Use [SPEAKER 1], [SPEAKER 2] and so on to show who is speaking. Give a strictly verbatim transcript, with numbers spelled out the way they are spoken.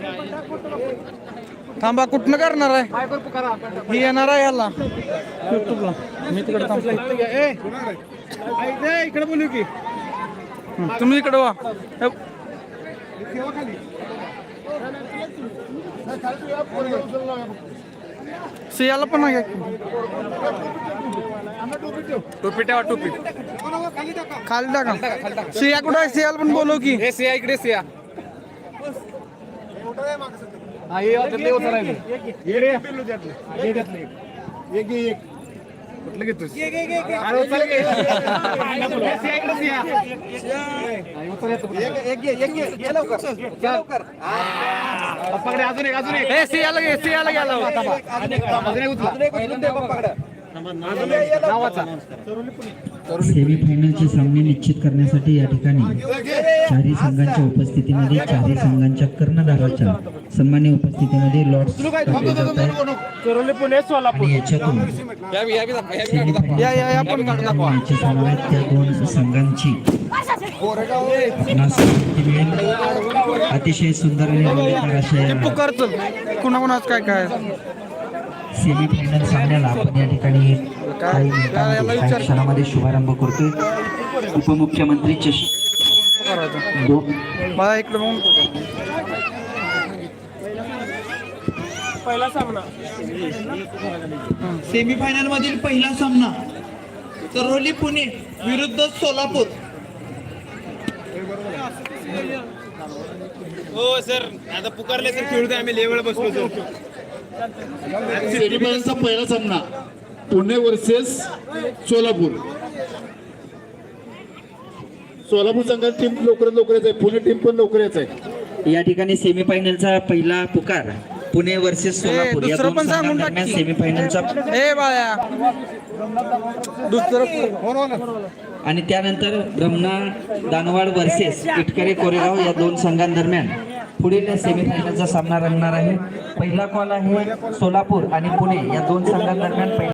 [SPEAKER 1] थांबा, कुठनं करणार आहे? ही येणार आहे ह्याला युट्यूबला. मी तिकडे थांबतो. इकडे बोलू की तुम्ही इकडे वा. सियाला पण आहे. टोपी ठेवा, टोपी खाली टाका. सिया कुठं आहे? सियाला पण बोलव की. सिया इकडे. सिया कुठलं घेतोस? अजून एक अजून एक सियाला घे. सियाला घ्यायला
[SPEAKER 2] सेमीफायनलचे सामने निश्चित करण्यासाठी या ठिकाणी चारही संघांच्या उपस्थितीमध्ये चारही संघांच्या कर्णधाराच्या सन्मान्य उपस्थितीमध्ये लॉर्ड्स टाकले जात आहेत आणि याच्यातून मॅचेस होणार आहेत. त्या दोन संघांची नासमती मिळेल. अतिशय सुंदर आणि रंगतदार अशा
[SPEAKER 1] कुणाकुणाच काय काय
[SPEAKER 2] सेमीफायनल सामन्याला आपण या ठिकाणी काही मिनिटांमध्ये काही क्षणामध्ये शुभारंभ करतोय. उपमुख्यमंत्री चषक
[SPEAKER 1] मला इकडे बघून पहिला सामना
[SPEAKER 3] सेमीफायनल मधील पहिला सामना करोली पुणे विरुद्ध सोलापूर.
[SPEAKER 4] हो सर, आता पुकारले तर खेळतोय आम्ही लेवल बसलो तो.
[SPEAKER 5] सेमीफायनलचा पहिला सामना पुणे वर्सेस सोलापूर. सोलापूर संघाची टीम लवकरात लवकर येत आहे, पुणे टीम पण लवकर येत आहे.
[SPEAKER 2] या ठिकाणी सेमीफायनलचा पहिला पुकार पुणे वर्सेस सोलापूर या
[SPEAKER 1] दुसरं
[SPEAKER 2] दोन
[SPEAKER 1] पण सांगून
[SPEAKER 2] संघांदरम्यान
[SPEAKER 1] टाक.
[SPEAKER 2] सेमीफायनलचा
[SPEAKER 1] ए बाळ्या दुसरं
[SPEAKER 2] आणि त्यानंतर ब्रह्मणा दानवाड वर्सेस इटकरे कोरेगाव या दोन संघांदरम्यान पुढील सेमीफायनलचा सामना रंगणार आहे. पहिला कॉल आहे सोलापूर आणि पुणे या दोन संघांदरम्यान.